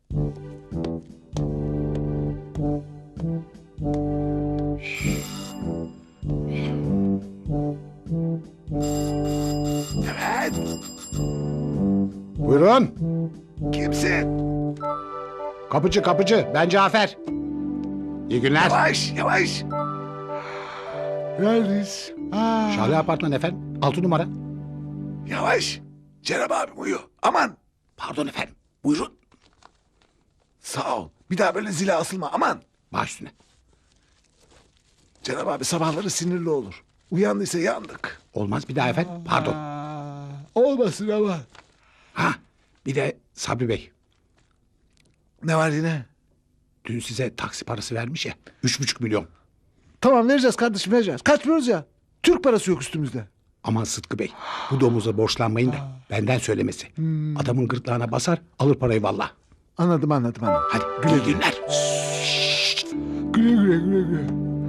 Evet. Buyurun. Kimsin? Kapıcı kapıcı. Ben Cafer. İyi günler. Yavaş yavaş. Neredeyiz? Şale Apartman efendim. 6 numara. Yavaş. Cenab abim uyu. Aman. Pardon efendim. Buyurun. Sağ ol. Bir daha böyle zile asılma. Aman. Baş üstüne. Cenab abi sabahları sinirli olur. Uyandıysa yandık. Olmaz bir daha efendim. Pardon. Olmasın ama. Ha, bir de Sabri Bey. Ne var yine? Dün size taksi parası vermiş ya. 3,5 milyon. Tamam vereceğiz kardeşim vereceğiz. Kaçmıyoruz ya. Türk parası yok üstümüzde. Aman Sıtkı Bey. Bu domuza borçlanmayın da benden söylemesi. Adamın gırtlağına basar alır parayı valla. Anladım. Hadi güle günler. Güle güle.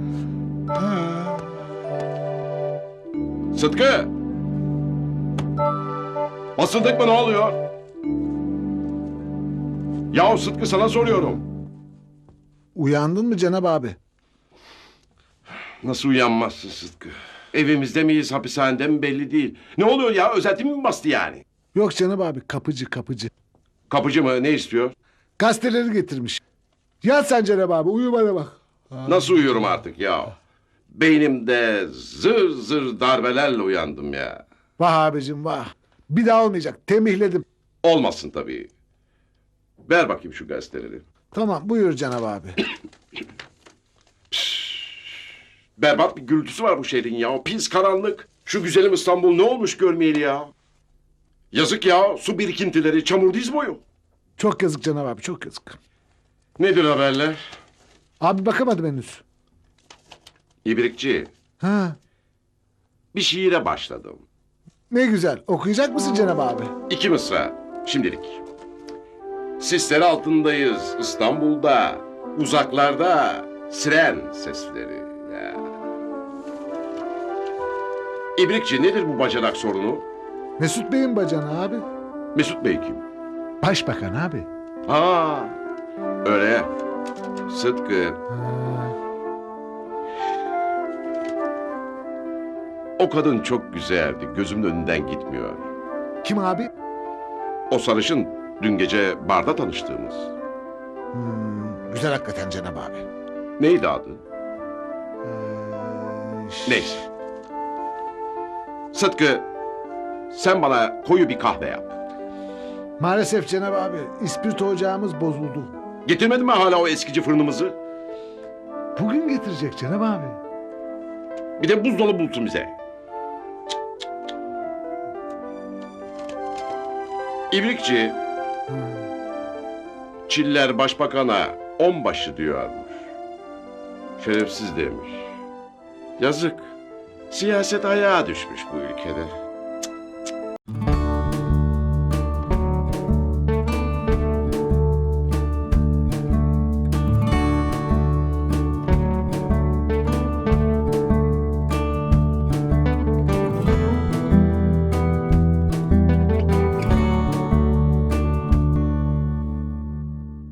Sıtkı! Basıldık mı ne oluyor? Yahu Sıtkı sana soruyorum. Uyandın mı Cenab abi? Nasıl uyanmazsın Sıtkı? Evimizde miyiz, hapishanede mi belli değil. Ne oluyor ya? Özetim mi bastı yani? Yok Cenab abi kapıcı. Kapıcı mı? Ne istiyor? Gazeteleri getirmiş. Yat sen Cenab abi uyu bana bak. Nasıl uyuyorum artık ya? Beynimde zır zır darbelerle uyandım ya. Vah abicim vah. Bir daha olmayacak tembihledim. Olmasın tabii. Ver bakayım şu gazeteleri. Tamam buyur Cenab abi. Berbat bir gürültüsü var bu şehrin ya. Pis karanlık. Şu güzelim İstanbul ne olmuş görmeyeli ya. Yazık ya. Su birikintileri, çamur diz boyu. Çok yazık Cenab abi çok yazık. Nedir haberler? Abi bakamadım henüz. İbrikçi, Ha, bir şiire başladım. ne güzel okuyacak mısın Cenab abi? 2 mısra, şimdilik. Sisler altındayız İstanbul'da, uzaklarda siren sesleri. Ya. İbrikçi nedir bu bacanak sorunu? Mesut Bey'in bacanı abi. Mesut Bey kim? Başbakan abi. Ha, öyle. Sıtkı. O kadın çok güzeldi. Gözümün önünden gitmiyor. Kim abi? O sarışın dün gece barda tanıştığımız. Güzel hakikaten Cenab abi. Neydi adı? Neyse. Sıtkı, sen bana koyu bir kahve yap. Maalesef Cenab abi ispirto ocağımız bozuldu. Getirmedin mi hala o eskici fırınımızı? Bugün getirecek Cenab abi. Bir de buzdolabı bulsun bize. İbrikçi, Çiller başbakana 10 diyormuş. Şerefsiz demiş. Yazık. Siyaset ayağa düşmüş bu ülkede.